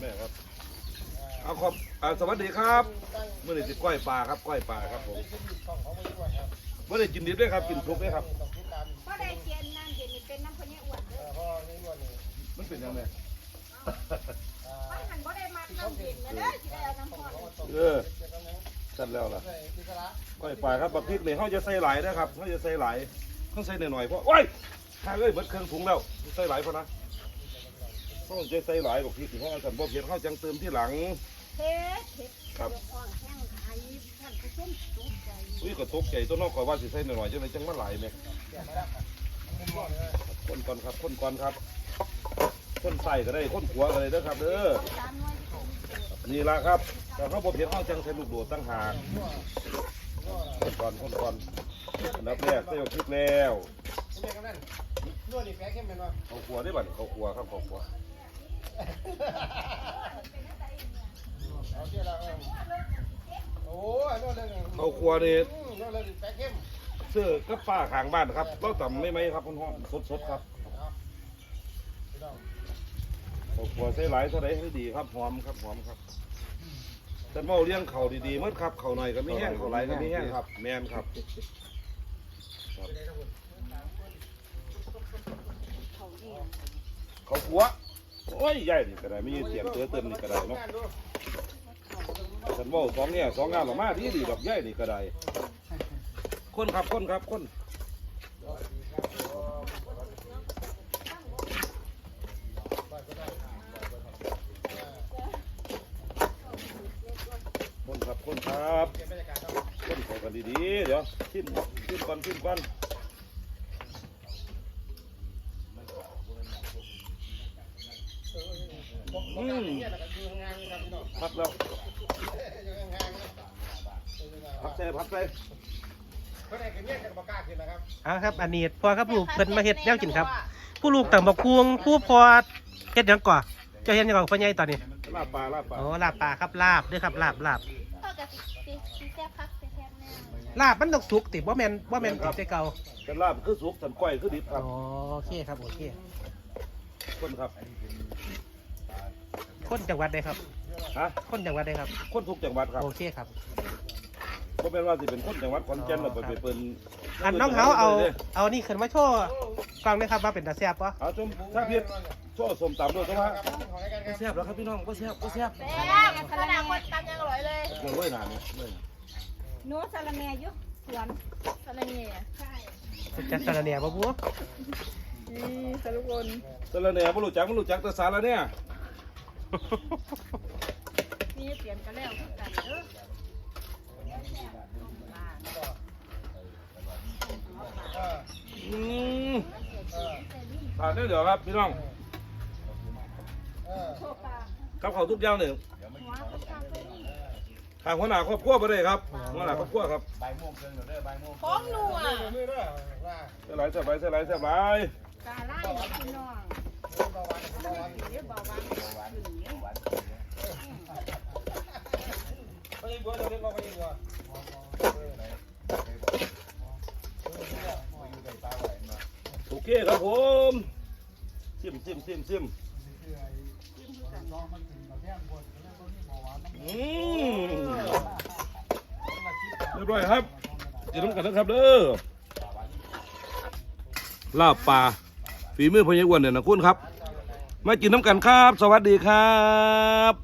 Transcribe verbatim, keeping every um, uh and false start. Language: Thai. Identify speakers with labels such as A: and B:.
A: ม่ครับเอาขอบสวัสดีครับเมื่อไหร่จะก้อยปลาครับก้อยปลาครับผมเมื่อไหร่กินดิบด้วยครับกินทุกด้วยครับ
B: ก็ได้เกียนน้ำเย็นนี่เป็นน้ำพะเนี่ยอ้วน
A: มันเป็นยังไง
B: มันหันบ่ได้มักน้ำเย็นนะเด้อสิได้เอาน้ำพอน
A: เออจัดแล้วล่ะก้อยปลาครับบักพริกเนี่ยเขาจะใส่หลายนะครับเขาจะใส่หลายเขาใส่หน่อยๆเพราะโอ้ยหาเลยเบิดเครื่องถุงแล้วใส่หลายเพราะนะเขาจะใส่หลายบักพริกเขาสั่นบ่เผ็ดเขาจังเติมที่หลัง
B: เผ็ดเผ็ดครับ
A: อุ้ยก็ตกใจตัวนอกก่อนว่าสิใส่หน่อยๆจังเลยจังมาหลายไหมคนก่อนครับคนก่อนครับคนใส่ก็ได้คนขัวก็ได้เด้อครับเด้อนี่ละครับแต่เขาบ่เผ็ดเขาจังใส่ลูกโดดตั้งหากคนก่อนคนก่อนอันดับแรกใส่บักพริกแล้วเขาขัวได้บัดเขาขัวครับเขาขัวเขาครัวนี่เสื้อกับป้าข้างบ้านครับเราต่ำไม่ไหมครับคุณพ่อสดๆครับเขาครัวใส่หลายเท่าไรให้ดีครับหอมครับหอมครับแต่เมาเลี้ยงเขาดีๆเมื่อครับเขาหน่อยก็ไม่แห้งเขาไหลก็ไม่แห้งครับแมนครับเขาครัวโอ้ยใหญ่นี่ก็ได้ไม่ยืดเสียงเตือเติมนี่ก็ได้เนาะฉันว่าสองเนี่ยสองงานหรอมาดีดีดอกใหญ่นี่ก็ได้คนครับคนครับคนคนครับคนครับคนขอกันดีๆเดี๋ยวชิมชิมก่อนชิมก่อนอืมพักแล้วพักใส่พักใส่
C: อ่าครับอันนี้พอครับลูกเพิ่นมาเฮ็ดแนวกินครับผู้ลูกต่างบอกควงผู้พอเฮ็ดหยังก่อเจ้าเฮ็ดหยังก่อพ่อใหญ่ตอนนี้
A: ลาบปลาลาบปลา
C: โอ้ลาบปลาครับลาบเด้อครับลาบลาบ
B: พ่อก็สิสิสิแซ่บคักแซ่บแน่
C: ลาบมันต้องสุกติบ่แม่นบ่แม่นติแต่เก่า
A: แต่ลาบคือสุกสันก้อยคือดิบครับ
C: อ๋อโอเคครับโอเค
A: คนครับ
C: คนจังหวัดใดครับ
A: ฮะ
C: คนจังหวัดใดครับ
A: คนทุกจังหวัดครับ
C: โอเคครับ
A: ก็เป็นว่าสิเป็นคนจังหวัดขอนแก่นเราไปเปิด
C: อันน้องเขาเอาเอานี่ขึ้นมาโชว์ฟังได้ครับว่าเป็นตาแซ่บปะ
A: เอาชมถ้าเพียรโชว์สมตำด้วยใช่ไหมแซ่บแล้วครับพี่น้องก็แซ่บก็แซ่บ
B: แซ่บขนาดคนตำยังอร่อยเลย
A: เลยเว้ยหนาเนี่ยเลย
B: โน้สาระแหน่ยุสวนสาระแหน่ใช่
C: จัดสาระแหน่ปะบัว
B: นี่สารุกล
A: สาระแหน่ไม่รู้จักไม่รู้จักแต่สาระเนี่ย
B: นี่เปลี่ยนกันแล้วกันเด้อ
A: อืมทานได้เดี๋ยวครับพี่น้องครับเขาทุกอย่างหนึ่งทางหัวหน้าครอบครัวไปเลยครับหัวหน้าครอบครัวครับ
B: พร้อมนัว
A: เส้นไหลเส้นไหลเส้นไหลเส้นไหล
B: กาไล่พี่น้องเบาหวานเบาหวานเบาหวาน
A: ไปยิงบัวเดี๋ยวเดี๋ยวไปยิงบัวโอเคครับผมซิมซิมซิมซิมอืมเรียบร้อยครับจะต้องกันนะครับเด้อลาบปลาฝีมือพญาอ้วนเนี่ยนะคุณครับมากินน้ำกันครับสวัสดีครับ